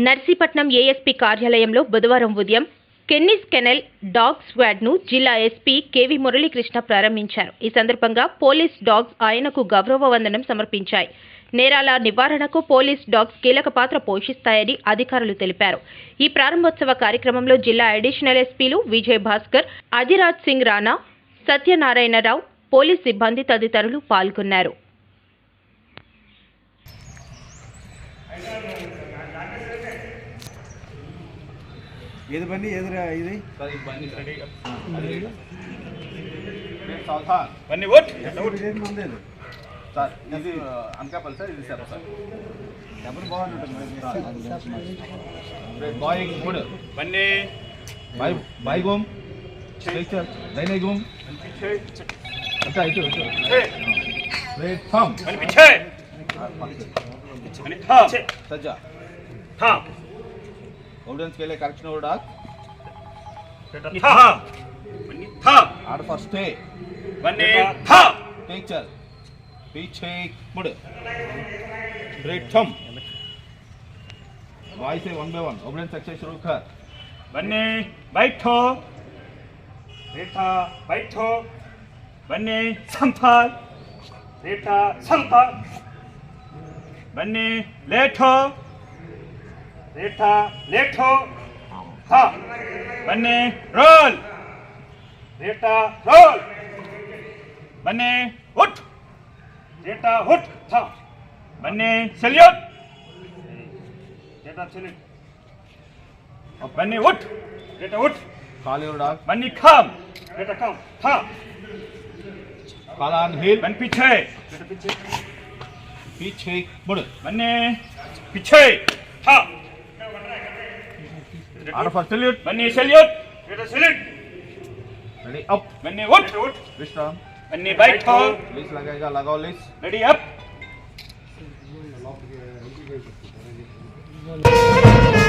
Narsipatnam ASP కార్యాలయంలో బుధవారం ఉదయం కెన్నిస్ కెనెల్ డాగ్ స్క్వాడ్ ను జిల్లా ఎస్పీ కేవి మురళీకృష్ణ ప్రారంభించారు. ఈ సందర్భంగా పోలీస్ డాగ్స్ ఆయనకు గౌరవ వందనం సమర్పించాయి. నేరాల నివారణకు పోలీస్ డాగ్స్ కీలక పాత్ర పోషిస్తాయని అధికారులు తెలిపారు. ఈ ప్రారంభోత్సవ కార్యక్రమంలో జిల్లా అడిషనల్ ఎస్పీలు విజయ్ భాస్కర్, అధిరాజ్ సింగ్ రాణా, సత్యనారాయణరావు, పోలీస్ సిబ్బంది తదితరులు పాల్గొన్నారు. ఏది బండి ఎదురా ఇది బండి రెడీ బండి ఓట్ మందేది సార్ ఇది అనకాపల్లి సార్ ఇది సార్ సార్ ఎవరు బాగుంటుంది బాయ్ గుడ్ బండి బాయ్ గోమ్ చల్ నైనే గోమ్ अच्छा इधर रेड थम బండి పిచ్చే బండి థా सज्जा థా ऑडियंस के लिए करेक्शन और डाक థా బండి థా आर फॉर स्टे బండి థా टेक चल पीछे मुड़ रेड थम बाय से one by one audience exercise शुरू कर బండి बैठो बेटा बैठो बन्नी संभाल बेटा संभाल बन्नी लेटो बेटा लेटो हाँ बन्नी रोल बेटा रोल बन्नी उठ बेटा उठ था बन्नी सल्यूट बेटा सल्यूट बन्नी उठ बेटा उठ खाली और डाक बन्नी खाम बेटा खाम था काला हिल बन पीछे बेटा पीछे पीछे मुड़ बन्ने पीछे हाँ आर फॉर सल्यूट बन्ने सल्यूट बेटा सल्यूट रेडी अप बन्ने उठ उठ विश्राम बन्ने बैठो लिस्ट लगेगा लगाओ लिस्ट रेडी अप